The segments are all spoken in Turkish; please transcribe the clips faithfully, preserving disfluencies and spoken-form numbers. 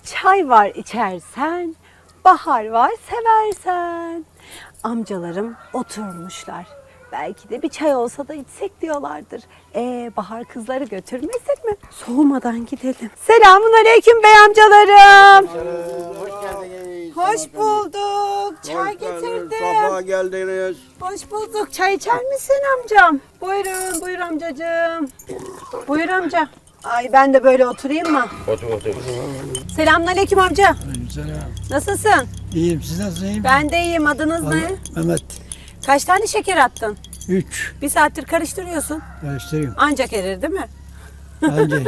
Çay var içersen, bahar var seversen. Amcalarım oturmuşlar. Belki de bir çay olsa da içsek diyorlardır. Ee, bahar kızları götürmesin mi? Soğumadan gidelim. Selamun aleyküm bey amcalarım. Hoş geldiniz. Hoş bulduk. Çay getirdim. Safa geldiniz. Hoş bulduk. Çay içer misin amcam? Buyurun, buyur amcacığım. Buyur amca. Ay ben de böyle oturayım mı? Otur otur. Selamünaleyküm amca. Selam. Nasılsın? İyiyim, siz nasılsınız? Ben de iyiyim. Adınız ne? Mehmet. Kaç tane şeker attın? Üç. Bir saattir karıştırıyorsun. Karıştırayım. Ancak erir değil mi? Bence.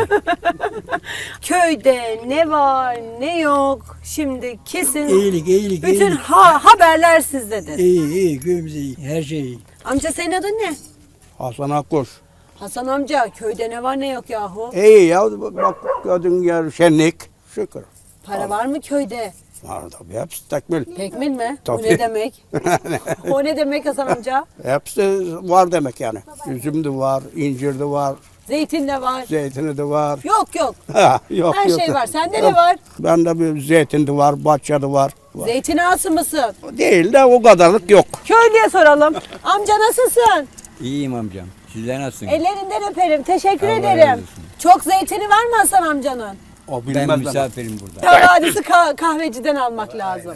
Köyde ne var ne yok şimdi kesin iyilik, iyilik, bütün iyilik. ha haberler sizdedir. İyi, iyi, köyümüz iyi. Her şey iyi. Amca senin adın ne? Hasan Akkuş. Hasan amca köyde ne var ne yok yahu? İyi ya bak gördüğün yer şenlik. Şükür. Para var mı köyde? Var tabii hepsi tekmil. Tekmil mi? O Tabii. ne demek? O ne demek Hasan amca? Hepsi var demek yani. Üzüm de var, incir de var, Zeytin de var. zeytini de var. Yok yok. Ha, yok, Her yok. şey var. Sende ne var? Bende bir zeytin de var, bahçe de var. var. Zeytin ağası mısın? Değil de o kadarlık yok. Köylüye soralım. Amca nasılsın? İyiyim amcam. Sizler nasılsınız? Ellerinden öperim. Teşekkür Allah ederim. razı olsun. Çok zeytini var mı Hasan amcanın? O Ben bilmez misafirim burada. Havadisi ka- kahveciden almak lazım.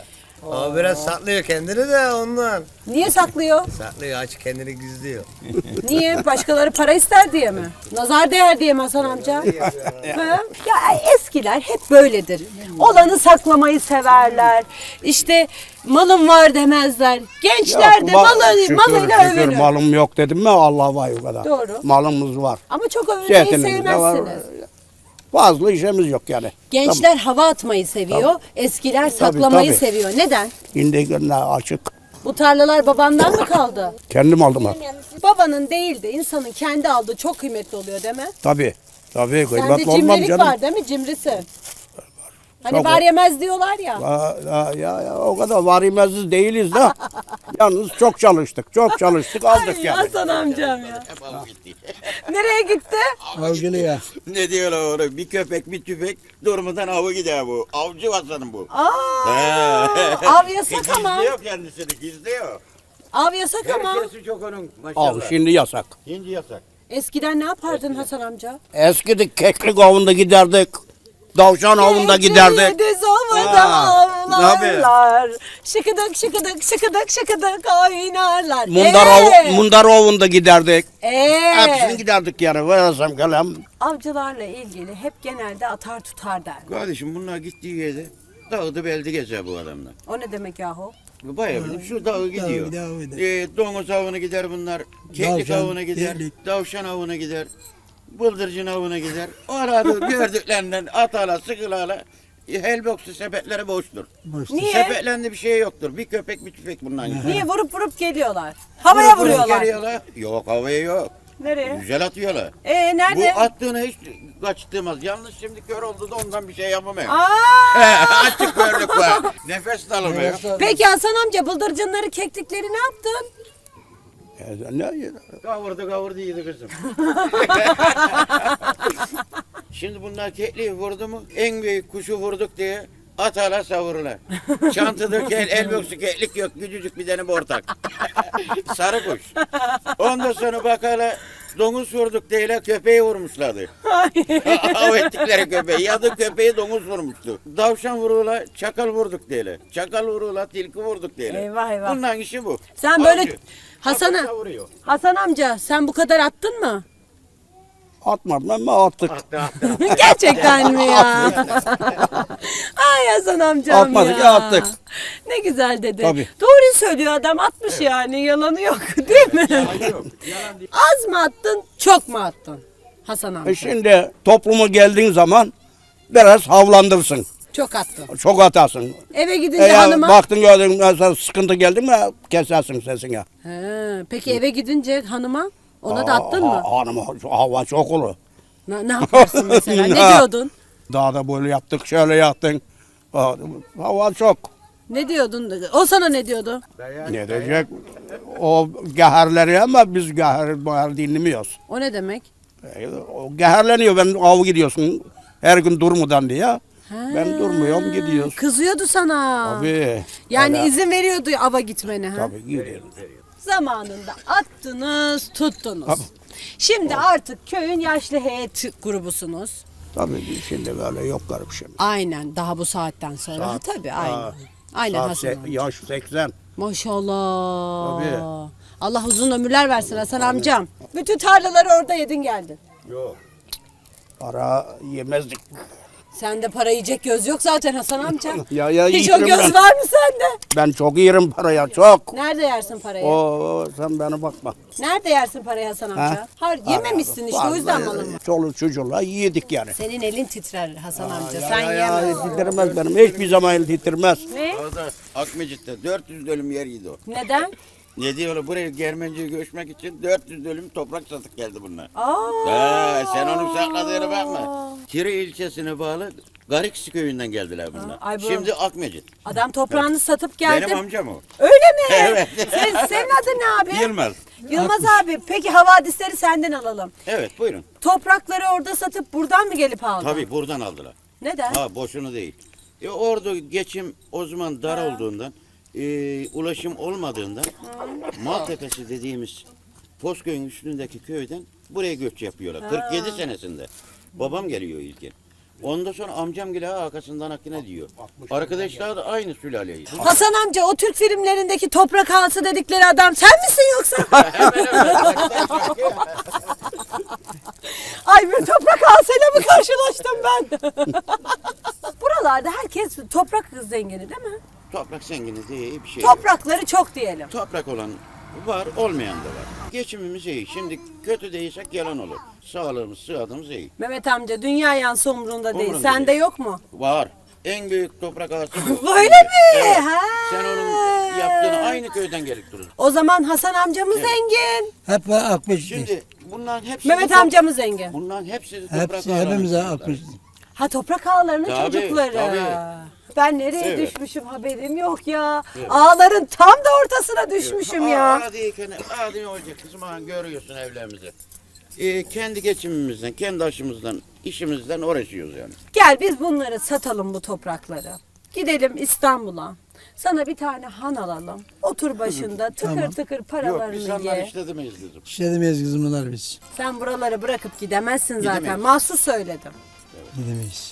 O biraz saklıyor kendini de ondan. Niye saklıyor? Saklıyor, aç kendini gizliyor. Niye? Başkaları para ister diye mi? Nazar değer diye mi Hasan amca? Ha? Ya eskiler hep böyledir. Olanı saklamayı severler. İşte malım var demezler. Gençler de ma- malı, şükür, malıyla şükür övünür. malım yok dedim mi Allah var o kadar. Doğru. Malımız var. Ama çok övünmeyi Zeytinimiz de var. sevmezsiniz. Fazla işimiz yok yani. Gençler hava atmayı seviyor. Eskiler saklamayı tabii. seviyor. Neden? Şimdi günler açık. Bu tarlalar babandan mı kaldı? Kendim aldım ha. Babanın değil de insanın kendi aldığı çok kıymetli oluyor değil mi? Tabii. Tabii Sende kıymetli olmam cimrilik canım. var değil mi? Cimrisi. Hani Çok var var. yemez diyorlar ya. Ya, ya, ya, ya, o kadar varimesiz değiliz de. Yalnız çok çalıştık. Çok çalıştık aldık Ay yani. Hasan amcam ya. Nereye gitti? Avcılı ya. Ne diyorlar orada? Bir köpek bir tüfek durmadan avı gider bu. Avcı vatanım bu. Aa, av yasak ama. Gizliyor kendisini gizliyor. Av yasak ama. Her şeysi çok onun maşallah. Al şimdi yasak. Şimdi yasak. Eskiden ne yapardın Hasan amca? Eskidi keklik avında giderdik. Davşan avında giderdik. Düz ovada Ha, avlarlar. Şıkıdık şıkıdık şıkıdık şıkıdık oynarlar. Mundar, Ee? av, mundar avında giderdik. Ee? Hepsini giderdik yani. Versem kalem. Avcılarla ilgili hep genelde atar tutar der. Kardeşim bunlar gittiği yerde dağıdı beldi gezer bu adamlar. O ne demek yahu? Bayağı bildim şu dağı gidiyor. dağı gider. Ee, domuz avına gider bunlar. Keklik Davşan, avına gider. keklik. Davşan avına gider. Bıldırcın avına gider. Orada gördüklerinden atala sıkılala helboksu sepetleri boştur. Boş. Niye? Sepetlerinde bir şey yoktur. Bir köpek bir tüfek bundan. Niye vurup vurup geliyorlar? Havaya vuruyorlar. Geliyorlar. Yok havaya yok. Nereye? Güzel atıyorlar. Ee nerede? Bu attığını hiç kaçtırmaz. Yalnız şimdi kör oldu da ondan bir şey yapamıyor. Aa! Açık körlük var. Nefes de alamıyor. Peki Hasan amca bıldırcınları keklikleri ne yaptın? Ya, ne- Kavurdu kavurdu yedi kızım. Şimdi bunlar kekliği vurdu mu en büyük kuşu vurduk diye atala savururlar. Çantada kel, elboksu keklik yok. Küçücük bir tane bortak. Sarı kuş. Ondan sonra bakala domuz vurduk diye köpeği vurmuşlardı. Av ettikleri köpeği. Yadı köpeği domuz vurmuştu. Davşan vurula, çakal vurduk diye. Çakal vurula, tilki vurduk diye. Eyvah, eyvah. Bunların işi bu. Sen böyle Avcı. Hasan'a Atı savuruyor. Hasan amca sen bu kadar attın mı? Atmadım ama attık. Attı, attı. Gerçekten mi ya? Ay Hasan amcam Atmadık, ya. attık. Ne güzel dedi. Tabii. Doğru söylüyor adam atmış yani yalanı yok değil mi? Yok, yalan değil. Az mı attın çok mu attın Hasan amca? E şimdi topluma geldiğin zaman biraz havlandırsın. Çok attın. Çok atarsın. Eve gidince Eğer hanıma... baktın gördün mesela sıkıntı geldi mi kesersin sesini. He, peki eve gidince hanıma ona da attın mı? Ha- Hanım hava çok olur. Ne, ne yaparsın mesela? Ne Ya. diyordun? Dağda böyle yaptık şöyle yaptın. Ha, Hava çok. Ne diyordun? O sana ne diyordu? Ne diyecek? O geherleri ama biz geher, geher dinlemiyoruz. O ne demek? E, O geherleniyor ben av gidiyorsun her gün durmadan diye. Ben durmuyorum gidiyoruz. Kızıyordu sana. Tabii. Yani Öyle. izin veriyordu ava gitmene. Ha? Tabii gidiyorum. Zamanında attınız, tuttunuz. Şimdi artık köyün yaşlı heyet grubusunuz. Tabii şimdi böyle yok garip şimdi. Aynen daha bu saatten sonra. Saat- Ha, tabii aynen. Ha, Aynen Saat Hasan se- amca. yaş seksen. Maşallah. Tabii. Allah uzun ömürler versin Hasan amcam. Bütün tarlaları orada yedin geldin. Yok. Para yemezdik. Sende para yiyecek göz yok zaten Hasan amca. Ya, ya, Hiç o yerim göz ben. var mı sende? Ben çok yerim paraya çok. Nerede yersin parayı? Oo sen bana bakma. Nerede yersin parayı Hasan amca? Ha? Hayır yememişsin işte o yüzden malım var. Çoluk çocuğla yedik yani. Senin elin titrer Hasan amca. Ya, Sen ya, ya, yemezsin. titremez benim. Hiçbir zaman el titremez. Ne? Orada Akmecit'te dört yüz dönüm yeriydi o. Neden? Ne diyorlar buraya Germenci'ye göçmek için dört yüz dönüm toprak satıp geldi bunlar. Aa. He, sen onun sakladığına bakma. Kiri ilçesine bağlı Gariksi köyünden geldiler bunlar. ay bu- Şimdi Akmecit. Adam toprağını satıp geldi. Benim amcam o. Öyle mi? Evet. Sen, senin adın ne abi? Yılmaz. Yılmaz abi. Peki havadisleri senden alalım. Evet buyurun. Toprakları orada satıp buradan mı gelip aldın? Tabii buradan aldılar. Neden? Ha boşuna değil. E, orada geçim o zaman dar olduğundan, e, ulaşım olmadığından Maltepe'si dediğimiz Pozköy'ün üstündeki köyden buraya göç yapıyorlar. kırk yedi senesinde. Babam geliyor ilkin. Ondan sonra amcam geliyor arkasından akine diyor. Arkadaşlar da aynı sülaleyiz. Hasan amca o Türk filmlerindeki toprak ağası dedikleri adam sen misin yoksa? Ay bir toprak ağasıyla mı karşılaştım ben? Buralarda herkes toprak zengini değil mi? Toprak zengini diye bir şey yok. Toprakları çok diyelim. Toprak olan var, olmayan da var. Geçimimiz iyi. Şimdi kötü değilsek yalan olur. Sağlığımız, sıhhatimiz iyi. Mehmet amca dünya yansı umrunda değil. Umrunda Sende değil. yok mu? Var. En büyük toprak ağası bu. Böyle mi? Evet. Ha. Sen onun yaptığını aynı köyden gelip durur. O zaman Hasan amcamız zengin. Hep akmış. Şimdi bunların hepsi Mehmet top- amcamız zengin. Bunların hepsi toprak Hepsi ağalarının hepimize çocukları. akmış. Ha toprak ağalarının Tabii, çocukları. tabii. Ben nereye Evet. düşmüşüm haberim yok ya. Ağların tam da ortasına düşmüşüm ya. Aa, değil, aa, ne olacak kızım? Ha, görüyorsun evlerimizi. Ee, kendi geçimimizden, kendi aşımızdan, işimizden uğraşıyoruz yani. Gel biz bunları satalım bu toprakları. Gidelim İstanbul'a. Sana bir tane han alalım. Otur başında tıkır Tamam. tıkır Yok paralarını biz onlar ye. işledemeyiz dedim. İşledemeyiz kızım bunlar biz. Sen buraları bırakıp gidemezsin zaten. Gidemeyiz. Mahsus söyledim. Gidemeyiz.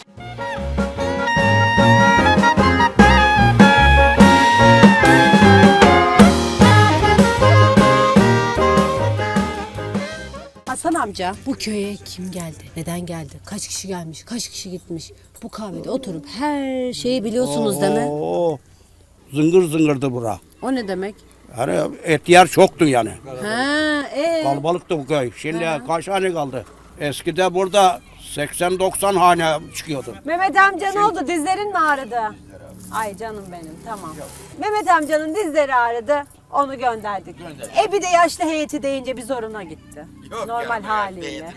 Hasan amca bu köye kim geldi? Neden geldi? Kaç kişi gelmiş? Kaç kişi gitmiş? Bu kahvede oturup her şeyi biliyorsunuz değil mi? Oo, zıngır zıngırdı bura. O ne demek? Yani et yer çoktu yani. Ha, e. Kalabalıktı bu köy. Şimdi kaç hane kaldı? Eskide burada seksen doksan hane çıkıyordu. Mehmet amca ne oldu? Dizlerin mi ağrıdı? Ay canım benim tamam. Mehmet amcanın dizleri ağrıdı. Onu gönderdik. E bir de yaşlı heyeti deyince bir zoruna gitti. Normal haliyle.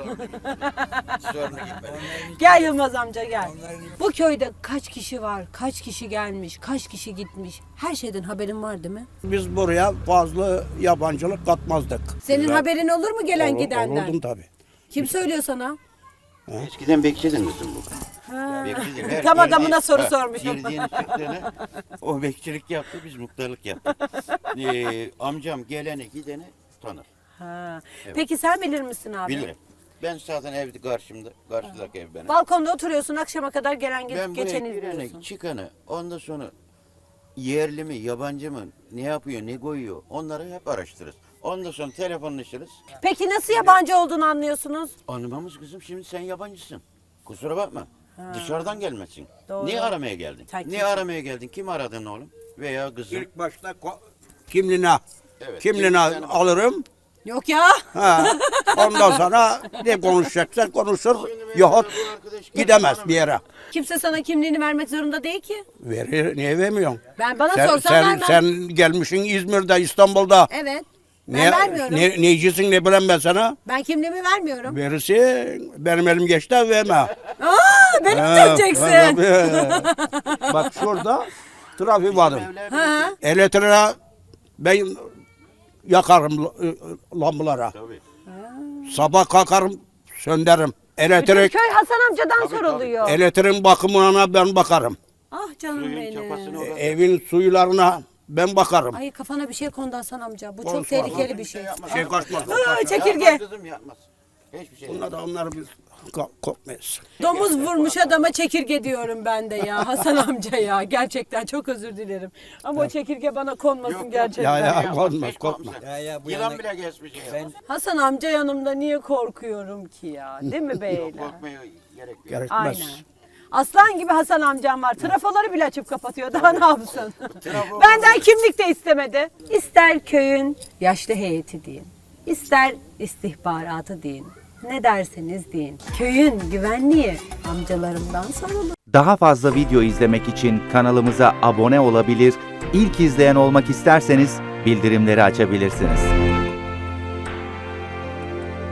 Sorunu gitmedi. Gel Yılmaz amca gel. Bu köyde kaç kişi var? Kaç kişi gelmiş? Kaç kişi gitmiş? Her şeyden haberin var değil mi? Biz buraya fazla yabancılık katmazdık. Senin Güzel. haberin olur mu gelen Olur- gidenden? Olurdum tabii. Kim söylüyor sana? Eskiden bekçidin kızım bu. Bekçidin. Her Tam girdiği- adamına soru ha, sormuşum. Girdiğini çıktığını o bekçilik yaptı biz muhtarlık yaptık. ee, amcam geleni gideni tanır. Ha. Peki sen bilir misin abi? Bilirim. Ben zaten evde karşımda, karşıdaki ev benim. Balkonda oturuyorsun akşama kadar gelen Ben gelip buraya geçeni gireni, izliyorsun. çıkanı, ondan sonra yerli mi, yabancı mı, ne yapıyor, ne koyuyor onları hep araştırırız. Ondan sonra telefonlaşırız. Peki nasıl yabancı olduğunu anlıyorsunuz? Anlamamız kızım şimdi sen yabancısın. Kusura bakma. Dışarıdan gelmesin. Doğru. Niye aramaya geldin? Sen Niye kimsin? aramaya geldin? Kim aradın oğlum? Veya kızım? İlk başta ko- kimliğine, Evet, kimliğine kimlikten- alırım. Yok ya. Ha. Ondan sonra ne konuşacaksa konuşur. Yahut gidemez bir yere. Kimse sana kimliğini vermek zorunda değil ki. Verir, niye vermiyorsun? Ben bana Sen, sorsan sen, vermem. sen gelmişsin İzmir'de, İstanbul'da. Evet. Ben Ne, vermiyorum. ne, neycisin ne bileyim ben sana? Ben kimliğimi vermiyorum. Verirsin, benim elim geçti verme. Aa, beni mi Ha, döneceksin? tabii. Bak şurada trafik varım. Ha. Elektriğe ben yakarım l- lambalara. Tabii. Sabah kalkarım söndürürüm. Elektrik, Köy Hasan amcadan soruluyor. elektriğin bakımına ben bakarım. Ah canım Suyun çapasını benim. orada. Evin suylarına ben bakarım. Ay kafana bir şey kondu Hasan amca. Bu çok Konuşma. tehlikeli bir şey. Yapmaz. Şey kaçmaz. Aa, çekirge. Yapmaz kızım yapmaz. Hiçbir şey Bunlar da onları biz ko- kopmayız. Domuz vurmuş adama çekirge diyorum ben de ya Hasan amca ya. Gerçekten çok özür dilerim. Ama o çekirge bana konmasın Yok, yok. gerçekten. Ya, ya. Yapmaz, korkma, hiç korkma. korkmaz. Ya, ya, bu Yılan yana- bile geçmiş. Ben Hasan amca yanımda niye korkuyorum ki ya? Değil mi beyler? korkmaya gerek yok. Gerekmez. Aynen. Aslan gibi Hasan amcam var. Trafoları bile açıp kapatıyor. Daha ne yapsın? Benden kimlik de istemedi. İster köyün yaşlı heyeti deyin. İster istihbaratı deyin. Ne derseniz deyin. Köyün güvenliği amcalarımdan sorulur. Daha fazla video izlemek için kanalımıza abone olabilir, ilk izleyen olmak isterseniz bildirimleri açabilirsiniz.